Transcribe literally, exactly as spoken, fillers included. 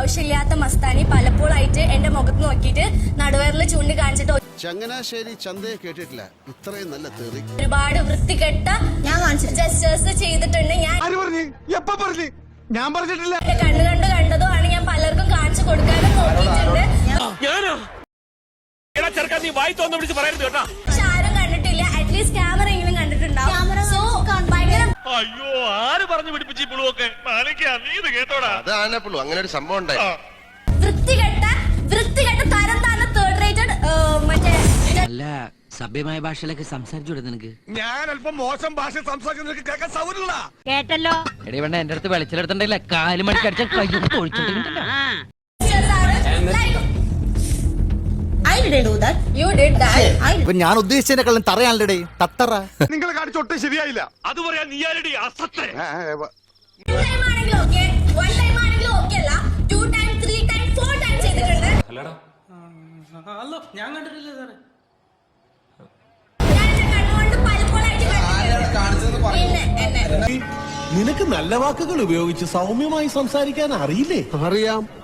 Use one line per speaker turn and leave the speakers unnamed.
രോഷമില്ലാത്ത മസ്താനി പലപ്പോഴായിട്ട് എന്റെ മുഖത്ത് നോക്കിയിട്ട് നടുവയറിൽ ചൂണ്ടി കാണിച്ചിട്ട്
ചങ്ങനാശ്ശേരി ചന്തയെ കേട്ടിട്ടില്ല ഇത്രയും നല്ല തെറി.
ഒരുപാട് വൃത്തികെട്ട ഞാൻ ജസ്റ്റേഴ്സ് ചെയ്തിട്ടുണ്ട്. ഞാൻ
ഞാൻ പറഞ്ഞിട്ടില്ല.
കണ്ണു കണ്ട് കണ്ടതോ ആണ് ഞാൻ പലർക്കും കാണിച്ചു കൊടുക്കാനും നോക്കിയിട്ടുണ്ട്. പക്ഷെ ആരും കണ്ടിട്ടില്ല. അറ്റ്ലീസ്റ്റ് ക്യാമറ എങ്കിലും കണ്ടിട്ടുണ്ടാവും. സോ ഭയങ്കര
അയ്യോ ആര് പറഞ്ഞു പിടിപ്പിച്ചു പുളുവൊക്കെ അതാണപ്പുള്ളൂ അങ്ങനെ ഒരു സംഭവം ഉണ്ടായി.
വൃത്തികെട്ട വൃത്തികെട്ട തരം താന്ന തേർഡ് റേറ്റഡ് മറ്റേ
അല്ല സഭ്യമായ ഭാഷയിലൊക്കെ സംസാരിച്ചു കൊടുത്തു നിനക്ക്.
ഞാൻ അല്പം മോശം ഭാഷ സംസാരിക്കുന്ന കേൾക്കാൻ സൗകര്യമുള്ള
കേട്ടല്ലോ.
എടീ വേണ്ട എന്റെ അടുത്ത് വെളിച്ചെടുത്തിട്ടില്ല കാല് മണിക്ക് അടിച്ച കയ്യൊക്കെ തൊഴിച്ചിട്ടുണ്ടല്ലോ.
ഞാൻ ഉദ്ദേശിച്ചതിനെക്കാളും തറയാണല്ലേ തത്തറ.
നിങ്ങൾ കാണിച്ചൊട്ടും ശരിയായില്ല.
അത് പറയാൻ നീ ആരടി അസത്തെ.
ഞാൻ കണ്ടിട്ടില്ല സാറേ.
നിനക്ക് നല്ല വാക്കുകൾ ഉപയോഗിച്ച് സൗമ്യമായി സംസാരിക്കാൻ അറിയില്ലേ?
അറിയാം.